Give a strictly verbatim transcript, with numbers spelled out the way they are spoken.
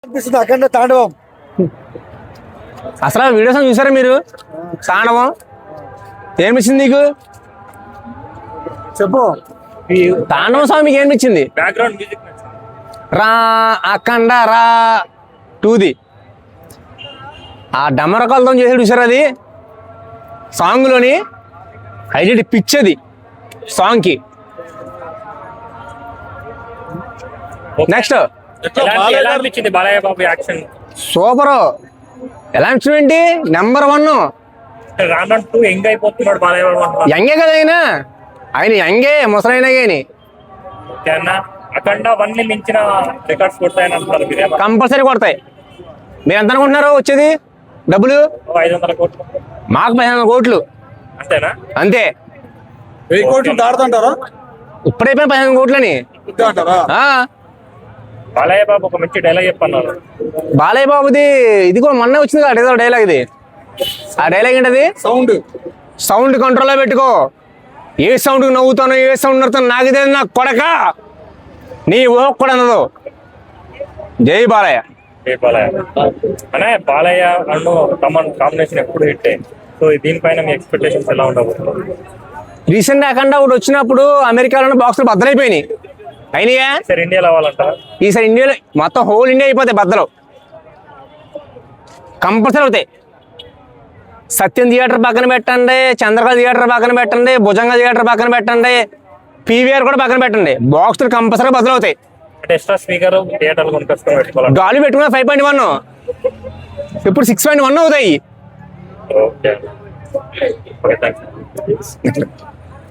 అనిపిస్తుంది అఖండ తాండవం. అసలు వీడియోస్ చూసారా మీరు? తాండవం ఏమిచ్చింది నీకు? చెప్పు. తాండవం స్వామి మీకు ఏమిచ్చింది? బ్యాక్గ్రౌండ్ మ్యూజిక్ రా అఖండ రా టూది ఆ డమరకాలతో చేసాడు చూసారు. అది సాంగ్లోని హైలైట్ పిచ్ అది సాంగ్కి. నెక్స్ట్ ఎలా అనిపించింది బాలయ్య బాబు యాక్షన్? సూపర్. ఎలా అనిపించింది? Number one. రాను టూ యంగ్ అయిపోతున్నాడు బాలయ్య బాబు. యంగే కదా ఆయన. ఆయన యంగే ముసలైన గాని అఖండ వన్ ని మించిన రికార్డ్స్ కొడతాయని అంటున్నారు. కంపల్సరీ కొడతాయి. మీరు ఎంత అనుకుంటున్నారు వచ్చేది డబ్బులు? ఐదు వందల కోట్లు. మాకు పదిహేను వందల కోట్లు. అంతేనా? అంతే. వెయ్యి కోట్లు దాడుతుంటారా? ఇప్పుడైపోయిన పదిహేను కోట్లని అంటారా? బాలయ్య బాబు ఒక మంచి డైలాగ్ చెప్పన్నారు. బాలయ్య బాబుది ఇది కూడా మొన్న వచ్చింది కదా డైలాగ్. ఇది ఆ డైలాగ్ ఏంటది? సౌండ్ సౌండ్ కంట్రోల్లో పెట్టుకో. ఏ సౌండ్ నవ్వుతానో ఏ సౌండ్ నవ్వుతానో నాకు తెలియదు నా కొడక. నీ ఊహ కూడా అన్నదు. జై బాలయ్య. జై బాలయ్య అనే బాలయ్య అండ్ తమన్ కాంబినేషన్ ఎప్పుడు హిట్. సో దీనిపైన మీ ఎక్స్పెక్టేషన్స్ ఎలా ఉండవు? రీసెంట్ అఖండ ఒకటి వచ్చినప్పుడు అమెరికాలో బాక్సులు బద్దలైపోయినాయి. అయినాయా? సార్ ఇండియాలో అవ్వాలంటారా? ఈసారి ఇండియాలో మొత్తం హోల్ ఇండియా అయిపోతాయి బద్దలు. కంపల్సరీ అవుతాయి. సత్యం థియేటర్ పక్కన పెట్టండి, చంద్రకళ థియేటర్ పక్కన పెట్టండి, భుజంగ థియేటర్ పక్కన పెట్టండి, పీవీఆర్ కూడా పక్కన పెట్టండి. బాక్సులు కంపల్సరీ బద్దలు అవుతాయి. ఎక్స్ట్రా స్పీకర్ థియేటర్ కొనుక్కొచ్చుకొని పెట్టుకోవాలి. గాలి పెట్టుకున్న ఫైవ్ పాయింట్ వన్ ఇప్పుడు సిక్స్ పాయింట్ వన్ అవుతాయి. Okay okay thank you.